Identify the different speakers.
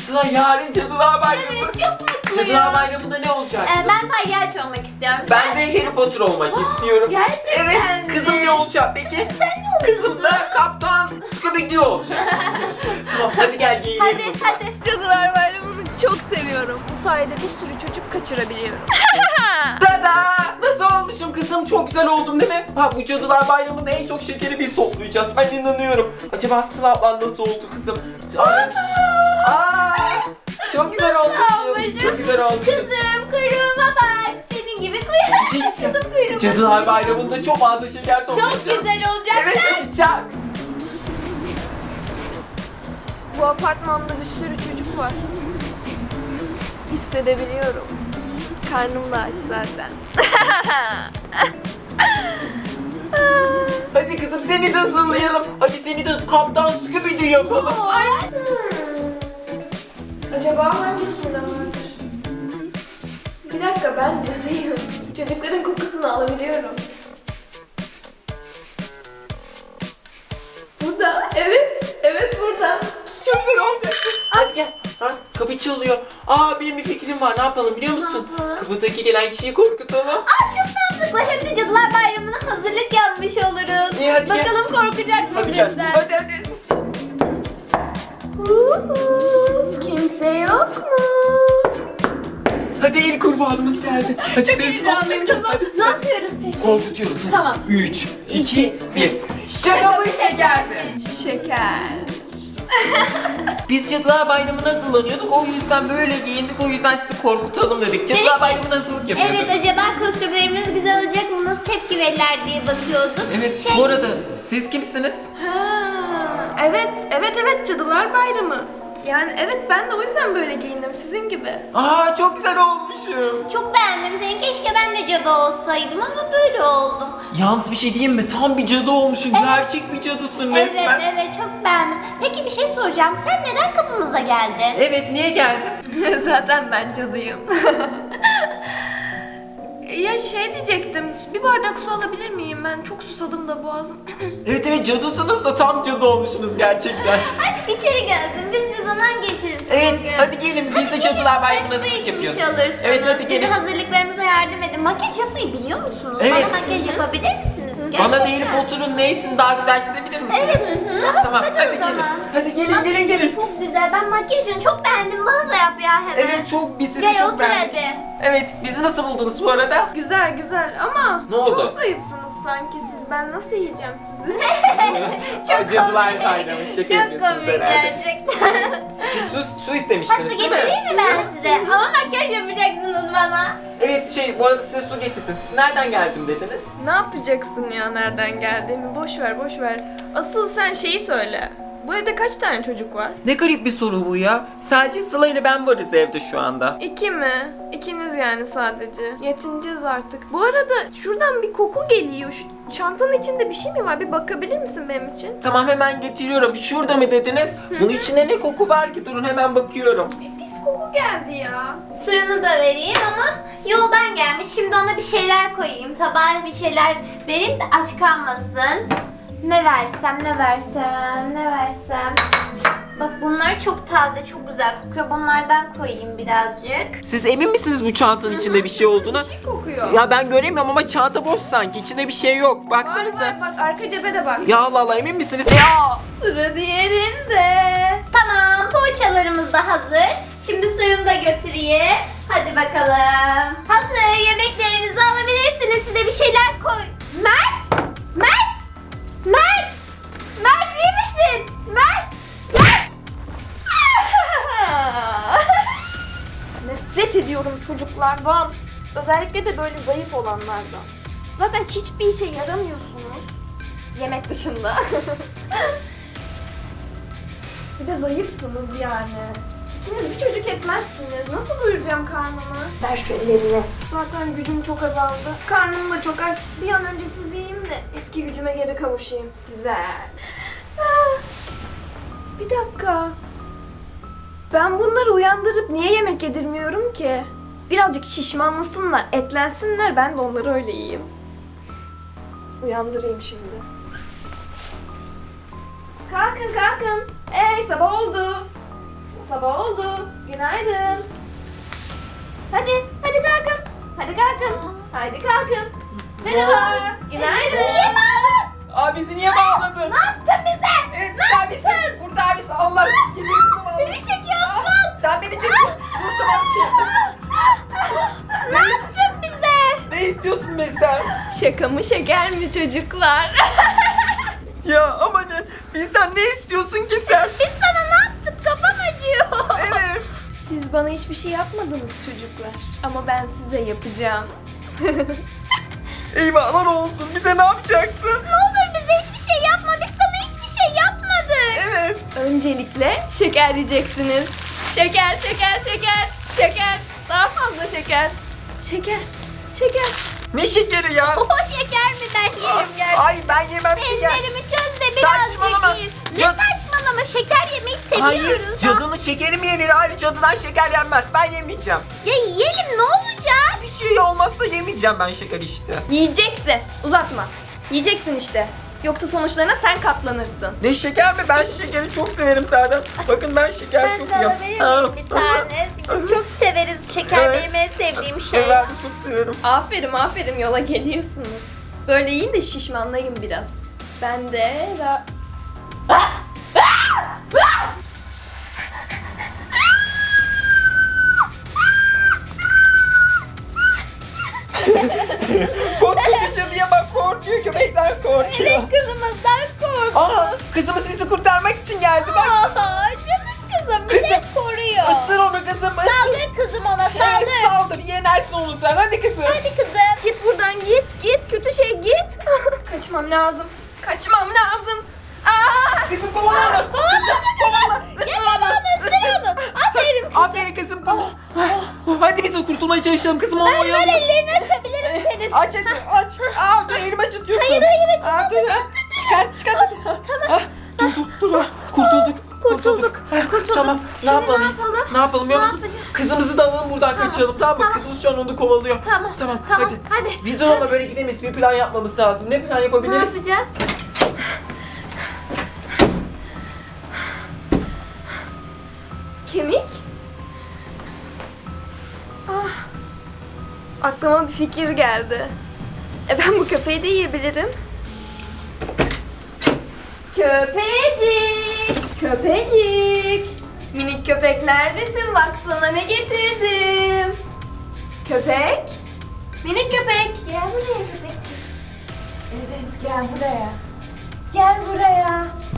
Speaker 1: Sıla yarın Cadılar Bayramı.
Speaker 2: Evet, çok mutluyum.
Speaker 1: Cadılar Bayramı'nda ne olacaksın?
Speaker 2: Ben palyaço olmak istiyorum.
Speaker 1: Ben de Harry Potter olmak istiyorum.
Speaker 2: Gerçekten
Speaker 1: Evet,
Speaker 2: mi?
Speaker 1: kızım ne olacak peki?
Speaker 2: Sen ne oluyorsun?
Speaker 1: Kızım da Kaptan Scooby-Doo olacak. Tamam hadi gel giyinelim.
Speaker 2: Hadi.
Speaker 3: Cadılar Bayramı'nı çok seviyorum. Bu sayede bir sürü çocuk kaçırabiliyorum.
Speaker 1: Tada! Nasıl olmuşum kızım? Çok güzel oldum değil mi? Ha bu Cadılar Bayramı'nda en çok şekeri biz toplayacağız. Ben inanıyorum. Acaba Sıla ablan nasıl oldu kızım? Aa, çok güzel olmuşum. Çok güzel olmuşum.
Speaker 2: Kızım kuyruğuma bak. Senin gibi kuyruğum. Kızım kuyruğuma.
Speaker 1: Cadılar Bayramı'nda çok fazla şeker toplayacağız.
Speaker 2: Çok güzel olacak.
Speaker 1: Evet hadi çak.
Speaker 3: Bu apartmanda bir sürü çocuk var. Hissedebiliyorum. Karnım da aç zaten.
Speaker 1: Hadi kızım seni de hazırlayalım. Hadi seni de Kaptan Scooby-Doo yapalım. Ay.
Speaker 3: Acaba hangisinde vardır? Bir dakika, ben cadıyım. Çocukların kokusunu alabiliyorum. Burada, evet burada.
Speaker 1: Çok güzel olacak. Hadi gel. Ha, kapı çalıyor. Benim bir fikrim var. Ne yapalım biliyor musun?
Speaker 2: Ne yapalım?
Speaker 1: Kapıdaki gelen kişiyi korkutalım.
Speaker 2: Çok mantıklı. Hem de Cadılar Bayramı'na hazırlık yapmış oluruz.
Speaker 1: İyi, hadi gel.
Speaker 2: Bakalım korkacak mı
Speaker 1: Hadi gel.
Speaker 2: bizden?
Speaker 1: Hadi.
Speaker 3: Kimse yok mu?
Speaker 1: Hadi ilk kurbanımız geldi. Hadi
Speaker 3: Çok
Speaker 1: sessiz ol.
Speaker 3: heyecanlıyım,
Speaker 1: Hadi,
Speaker 3: tamam.
Speaker 1: hadi.
Speaker 2: Ne yapıyoruz peki?
Speaker 1: Korkutuyoruz. Hadi.
Speaker 2: Tamam.
Speaker 1: 3, 2, 1. Şaka mı şeker mi?
Speaker 3: Şeker.
Speaker 1: Biz Cadılar Bayramı'na hazırlanıyorduk. O yüzden böyle giyindik. O yüzden sizi korkutalım dedik. Cadılar Bayramı'na hazırlık yapıyorduk.
Speaker 2: Evet, acaba kostümlerimiz güzel olacak mı? Nasıl tepki verirler diye bakıyorduk.
Speaker 1: Evet, bu arada siz kimsiniz?
Speaker 3: Evet, Cadılar Bayramı. Yani evet, ben de o yüzden böyle giyindim sizin gibi.
Speaker 1: Çok güzel olmuşum.
Speaker 2: Çok beğendim seni. Keşke ben de cadı olsaydım ama böyle oldum.
Speaker 1: Yalnız bir şey diyeyim mi? Tam bir cadı olmuşsun.
Speaker 2: Evet.
Speaker 1: Gerçek bir cadısın resmen.
Speaker 2: Evet, çok beğendim. Peki bir şey soracağım. Sen neden kapımıza geldin?
Speaker 1: Evet, niye geldin?
Speaker 3: Zaten ben cadıyım. Ya şey diyecektim, bir bardak su alabilir miyim? Ben çok susadım da boğazım.
Speaker 1: Evet, cadısınız da tam cadı olmuşsunuz gerçekten.
Speaker 2: Hadi içeri gelsin. Biz de zaman geçiririz.
Speaker 1: Evet,
Speaker 2: bugün.
Speaker 1: hadi gelin. Biz de Cadılar Bayramı'na
Speaker 2: Hep su
Speaker 1: hazırlık
Speaker 2: içmiş
Speaker 1: yapıyoruz.
Speaker 2: olursunuz.
Speaker 1: Evet, hadi
Speaker 2: Bize
Speaker 1: gelin.
Speaker 2: hazırlıklarımıza yardım edin. Makyaj yapmayı biliyor musunuz?
Speaker 1: Evet.
Speaker 2: Bana makyaj yapabilir misiniz?
Speaker 1: Bana da
Speaker 2: Gerçekten.
Speaker 1: Harry Potter'ın neysini daha güzel çizebilir misiniz?
Speaker 2: Evet, tamam, hadi o
Speaker 1: gelin.
Speaker 2: zaman.
Speaker 1: Hadi gelin,
Speaker 2: Makyajın
Speaker 1: gelin.
Speaker 2: Çok güzel. Ben makyajını çok beğendim. Bana da yap ya hemen.
Speaker 1: Evet, biz sizi
Speaker 2: Gel
Speaker 1: çok
Speaker 2: otur
Speaker 1: beğendik.
Speaker 2: hadi.
Speaker 1: Evet, bizi nasıl buldunuz bu arada?
Speaker 3: Güzel ama
Speaker 1: Ne oldu?
Speaker 3: çok zayıfsınız sanki siz. Ben nasıl yiyeceğim sizi?
Speaker 2: Çok
Speaker 1: Cadılar
Speaker 2: komik.
Speaker 1: Bayramı, şaka
Speaker 2: Çok
Speaker 1: yapıyorsunuz
Speaker 2: komik
Speaker 1: herhalde.
Speaker 2: gerçekten.
Speaker 1: Siz su
Speaker 2: Ha,
Speaker 1: istemiştiniz
Speaker 2: su
Speaker 1: değil mi?
Speaker 2: getireyim mi ben size? Ama makyaj yapacaksınız bana.
Speaker 1: Evet, bu arada size su getirsin. Siz nereden geldim dediniz?
Speaker 3: Ne yapacaksın ya, nereden geldiğimi? Boş ver. Asıl sen şeyi söyle. Bu evde kaç tane çocuk var?
Speaker 1: Ne garip bir soru bu ya. Sadece Sıla ile ben varız evde şu anda.
Speaker 3: 2 mi? İkiniz yani sadece. Yetineceğiz artık. Bu arada şuradan bir koku geliyor. Şu çantanın içinde bir şey mi var? Bir bakabilir misin benim için?
Speaker 1: Tamam, hemen getiriyorum. Şurada mı dediniz? Bunun içinde ne koku var ki? Durun, hemen bakıyorum.
Speaker 3: Pis koku geldi ya.
Speaker 2: Suyunu da vereyim ama yoldan gelmiş. Şimdi ona bir şeyler koyayım. Tabağa bir şeyler vereyim de aç kalmasın. Ne versem. Bak bunlar çok taze, çok güzel kokuyor. Bunlardan koyayım birazcık.
Speaker 1: Siz emin misiniz bu çantanın içinde bir şey olduğuna?
Speaker 3: Bir şey kokuyor.
Speaker 1: Ya ben göremiyorum ama çanta boş sanki. İçinde bir şey yok. Baksanıza.
Speaker 3: Var, bak arka cebe de bak.
Speaker 1: Ya Allah Allah, emin misiniz? Ya!
Speaker 3: Sıra diğerinde.
Speaker 2: Tamam, poğaçalarımız da hazır. Şimdi suyunu da götüreyim. Hadi bakalım. Hazır, yemeklerinizi alabilirsiniz. Size bir şeyler koy. Mert! İyi misin? Mert!
Speaker 3: Nefret ediyorum çocuklardan. Özellikle de böyle zayıf olanlardan. Zaten hiçbir işe yaramıyorsunuz. Yemek dışında. Bir de zayıfsınız yani. İkiniz bir çocuk etmezsiniz. Nasıl doyuracağım karnımı? Ver şu ellerini. Zaten gücüm çok azaldı. Karnım da çok aç. Bir an önce siz yiyeyim de eski gücüme geri kavuşayım. Güzel. Bir dakika. Ben bunları uyandırıp niye yemek yedirmiyorum ki? Birazcık şişmanlasınlar, etlensinler, ben de onları öyle yiyeyim. Uyandırayım şimdi. Kalkın. Sabah oldu. sabah oldu. Günaydın. Hadi kalkın. Hadi kalkın. Hadi kalkın. Merhaba. Günaydın.
Speaker 2: Niye bağladın?
Speaker 1: Aa bizi niye bağladın?
Speaker 2: Ne yaptın bize?
Speaker 1: Evet çıkar bizi. Kurtar bizi. Allah bizi bağladın.
Speaker 2: Beni çekiyorsun.
Speaker 1: Sen beni çek. Dur tamam çek.
Speaker 2: Ne yaptın bize?
Speaker 1: Ne istiyorsun bizden?
Speaker 3: Şaka mı şeker mi çocuklar?
Speaker 1: Ya amanın bizden ne istiyorsun ki sen?
Speaker 2: Biz sana ne yaptık? Kafam acıyor.
Speaker 1: Evet.
Speaker 3: Siz bana hiçbir şey yapmadınız çocuklar. Ama ben size yapacağım.
Speaker 1: Eyvahlar olsun. Bize ne yapacaksın?
Speaker 2: Ne olur bize hiçbir şey yapma. Biz sana hiçbir şey yapmadık.
Speaker 1: Evet.
Speaker 3: Öncelikle şeker yiyeceksiniz. Şeker, şeker, şeker, şeker. Daha fazla şeker. Şeker, şeker.
Speaker 1: Ne şekeri ya?
Speaker 2: O şeker mi ben yerim gerçekten.
Speaker 1: Ay ben yemem şeker.
Speaker 2: Ellerimi çöz de
Speaker 1: Saçmalama.
Speaker 2: birazcık yiyin. Ne
Speaker 1: Cad-
Speaker 2: saçmalama, şeker yemeyi
Speaker 1: Hayır,
Speaker 2: seviyoruz.
Speaker 1: cadının şekeri mi yenir? Hayır, cadıdan şeker yenmez. Ben yemeyeceğim.
Speaker 2: Ya yiyelim ne olacak?
Speaker 1: Bir şey olmazsa yemeyeceğim ben şeker işte.
Speaker 3: Yiyeceksin. Uzatma. Yiyeceksin işte. Yoksa sonuçlarına sen katlanırsın.
Speaker 1: Ne şeker mi? Ben şekeri çok severim zaten. Bakın ben şeker
Speaker 2: Ben
Speaker 1: çok
Speaker 2: de
Speaker 1: yiyorum.
Speaker 2: alabilir miyim bir tane? Biz çok severiz şeker.
Speaker 1: Evet.
Speaker 2: Benim en sevdiğim şey.
Speaker 1: Evet, ben de çok severim.
Speaker 3: Aferin aferin yola geliyorsunuz. Böyle yiyin de şişmanlayın biraz. Ben de
Speaker 1: Koskoca cadıya bak korkuyor, köpekten korkuyor.
Speaker 2: Evet, kızımızdan korktu.
Speaker 1: Aa, kızımız bizi kurtarmak için geldi bak.
Speaker 2: Aa, canım kızım bizi
Speaker 1: Kızım,
Speaker 2: koruyor.
Speaker 1: Isır onu kızım, ısır.
Speaker 2: Saldır kızım ona,
Speaker 1: Evet,
Speaker 2: saldır.
Speaker 1: saldır, yenersin onu sen. Hadi kızım.
Speaker 2: Hadi kızım.
Speaker 3: git buradan git kötü şey git. Kaçmam lazım. Kaçmam lazım. Aa!
Speaker 1: Kızım kovala onu. Kızım kovala. Isır onu.
Speaker 2: Isır onu. Aferin kızım.
Speaker 1: Aferin kızım. Hadi biz kurtulmaya çalışalım kızım onu
Speaker 2: Ver
Speaker 1: oyalayalım.
Speaker 2: ellerini açabilirim senin.
Speaker 1: Aç hadi aç. Aa dur elimi acıtıyorsun.
Speaker 2: Hayır,
Speaker 1: Aa, dur ya. Çıkart hadi. Tamam. Dur. Kurtulduk. Tamam. Ne
Speaker 2: Şimdi
Speaker 1: yapmalıyız?
Speaker 2: ne yapalım?
Speaker 1: Ne yapalım biliyor
Speaker 2: Ne
Speaker 1: musun?
Speaker 2: yapacağız?
Speaker 1: Kızımızı da alalım buradan kaçalım tamam mı?
Speaker 2: tamam.
Speaker 1: Kızımız şu an onu kovalıyor.
Speaker 2: Tamam, hadi.
Speaker 1: Biz dur ama böyle gidemeyiz. Bir plan yapmamız lazım. Ne plan
Speaker 2: Ne
Speaker 1: yapabiliriz?
Speaker 2: yapacağız?
Speaker 3: Kemik? Ah. Aklıma bir fikir geldi. Ben bu köpeği de yiyebilirim. Köpecik! Köpecik! Minik köpek neredesin? Bak sana ne getirdim. Köpek? Minik köpek! Gel buraya köpekçik. Evet gel buraya. Gel buraya.